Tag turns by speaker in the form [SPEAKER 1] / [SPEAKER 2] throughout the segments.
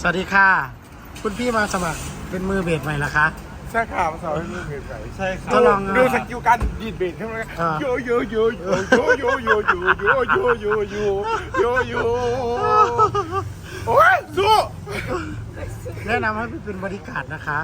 [SPEAKER 1] สวัสดีค่ะคุณพี่มาสมัครเป็นมือเบสใหม่เหรอคะ
[SPEAKER 2] ใช่ค่ะมาสอนให้มือเบสใส่ใช่ค่ะ
[SPEAKER 1] ทดลอง
[SPEAKER 2] ดูสกิลการดีดเบสใช่ไหมโยโยโยโยโยโยโยโยโยโยโยโยโยโยโอ้ยสู้
[SPEAKER 1] แนะนำให้พี่เป็นบริการนะคะ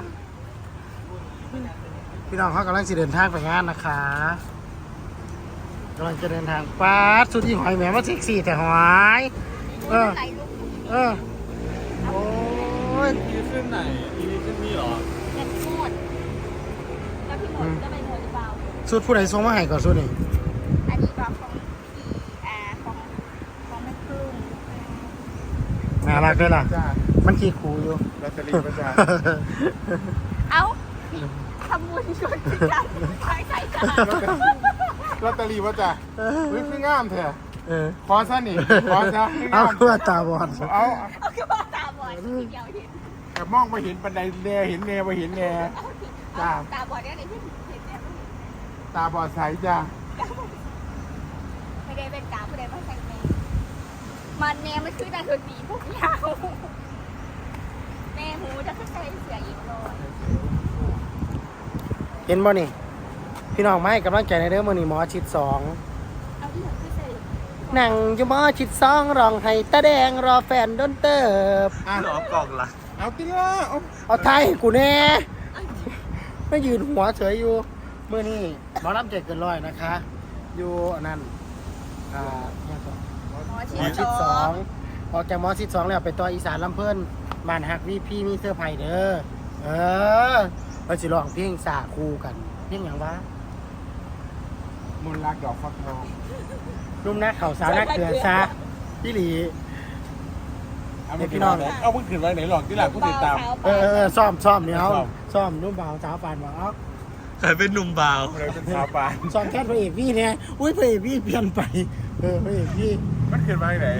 [SPEAKER 1] พี่น้องเขากำลังจะเดินทางไปงานนะคะกำลังจะเดินทางป้าดสุดที่หอยแหมมาเซ็กซี่แต่หอยเออโอ้ย
[SPEAKER 3] อีขึ้นไหนอีขึ้นนี่หรอ
[SPEAKER 4] แต่พี่หมดแล้วพี่หมดจะไปหมดหรือเปล่า
[SPEAKER 1] สุดผู้ใดส่งมาให้ก่อนสุดนี่
[SPEAKER 4] อันนี้บอกของของแม่ครึ่ง
[SPEAKER 1] น่ารักด้วยล่ะ
[SPEAKER 2] จ้า
[SPEAKER 1] มันขี้คูอยู่
[SPEAKER 2] ลอตเตอรี่มาจ้า
[SPEAKER 4] เอ้าทำบุญชวนจังใช่ใช่จ้า
[SPEAKER 2] ลอตเตอรี่มาจ้าเฮ้ยคืองามแท้ ขอซะนี่ขอซะ
[SPEAKER 1] เอาเพื่อตาบอด
[SPEAKER 2] เอา
[SPEAKER 4] เอาคือว่าตาบอดทีเดียวเห็น
[SPEAKER 2] แต่มองไปเห็นปันไดแน่เห็นแน่ไปเห็นแน่ จ้า
[SPEAKER 4] ตาบอดเนี่ยในที่เห็นเนี่ย
[SPEAKER 2] ตาบอดใสจ้า
[SPEAKER 4] ไม่ได้เป็นตาผู้ใดมาใส่แม่มันแน่มันคือตาคนดีพวกยาวแม่หูจะขึ้นใจเสียอีกเลย
[SPEAKER 1] เห็นบ่นี่พี่น้องไม่กำลังใจในเรื่องมือนี่หมอชิด2
[SPEAKER 4] เอาที่หลังขึ้นใจ
[SPEAKER 1] นั่งอยู่หมอชิด2ร้องให้ตาแดงรอแฟนโดนเติบ
[SPEAKER 3] หรอกล่องละ
[SPEAKER 2] เอาติล่ะเอา
[SPEAKER 1] เอาไทยให้กูแน่ไม่ยืนหัวเฉยอยู่เมื่อนี้หมอลำใจเกินร้อยนะคะ อยู่อันนั้นเนี่ยก่อน
[SPEAKER 4] หมอ
[SPEAKER 1] หมอ
[SPEAKER 4] ชิ
[SPEAKER 1] ชิ
[SPEAKER 4] ด
[SPEAKER 1] ด
[SPEAKER 4] ส
[SPEAKER 1] ส
[SPEAKER 4] อ
[SPEAKER 1] อง งออกจากหมอชิด2แล้วไปต่ออีสานลำเพิ่นบ้านหักพี่มีเสื้อไผ่เด้อเราสิร้องเพลงสาคู่กันเพลงอย่างวะ
[SPEAKER 2] มนต์รักดอกฟักทอง
[SPEAKER 1] รุ่มนักเข่าสาวนักเตือนซาพี่หลี
[SPEAKER 2] เอามึงขึ้นไหนเอามึงขึ้นไว้ไหนหลอกที่หลังกูติดตาม
[SPEAKER 1] ซ้อมเนี่ยเอาซ้อมนุ่มเบาสาวปานบอกเอา
[SPEAKER 3] ใครเป็นหนุ่มบ่าว
[SPEAKER 2] เลยเป็นชาวบ้าน
[SPEAKER 1] ซ้อมแค่พระเอกพี่เนี่ยอุ้ยพระเอกพี่เปลี่ยนไปพระเอกพี่
[SPEAKER 2] มันขึ้นไว้ไหน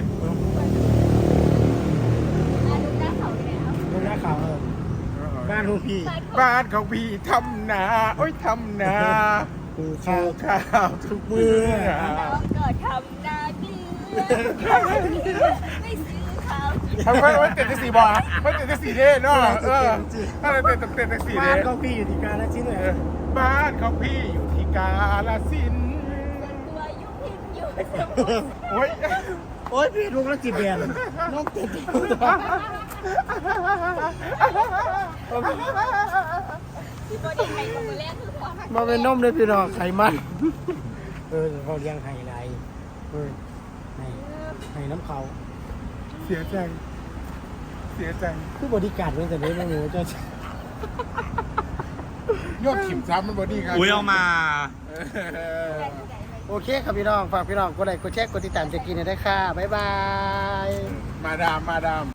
[SPEAKER 4] อาดูหน้าเขาเลยครับ
[SPEAKER 1] นุ่มนักเข่าบ้านลูกพี่
[SPEAKER 2] บ้านของพี่ทำนาโอ้ยทำนา
[SPEAKER 1] ปู
[SPEAKER 2] ข้า
[SPEAKER 1] ข้าว
[SPEAKER 2] ข้าวทุกมื้อ
[SPEAKER 4] น้องก็ทำหน้าเกลือไม่ซื้อข้าว
[SPEAKER 2] ทำไมไม่เต็มที่สี่บ่ไม่เต็มที่สี่เด้เนาะถ้าเราเต็มที่สี่
[SPEAKER 1] บ้า
[SPEAKER 2] เด้
[SPEAKER 1] นของพี่อยู่ที่กาฬสินธุ์เลย
[SPEAKER 2] บ้านของพี่อยู่ที่กาฬสินธุ์
[SPEAKER 4] ตัวยุ่งพิมอยู่สมุทร
[SPEAKER 2] โอ้ย
[SPEAKER 1] โอ้ยพี่ลูกแล้วจีเบียนน้องเต็ม
[SPEAKER 4] ที่บริไทยของมือแรกคือความ
[SPEAKER 1] มาเป็นนมเลยพี่น้องไขมันเขาเลี้ยงไห่ไรไห่น้ำเขา
[SPEAKER 2] เสียใจเสียใจ
[SPEAKER 1] คือบริการเป็นแต่เด็กไม่รู้จะ
[SPEAKER 2] ยอดขิมซ้ำมันบอดี้ครับ
[SPEAKER 3] อุ้ยเอามา
[SPEAKER 1] โอเคครับพี่น้องฝากพี่น้องกดไลค์กดแชร์กดติดตามจะกินได้ค่ะบ๊ายบาย
[SPEAKER 2] มาดาม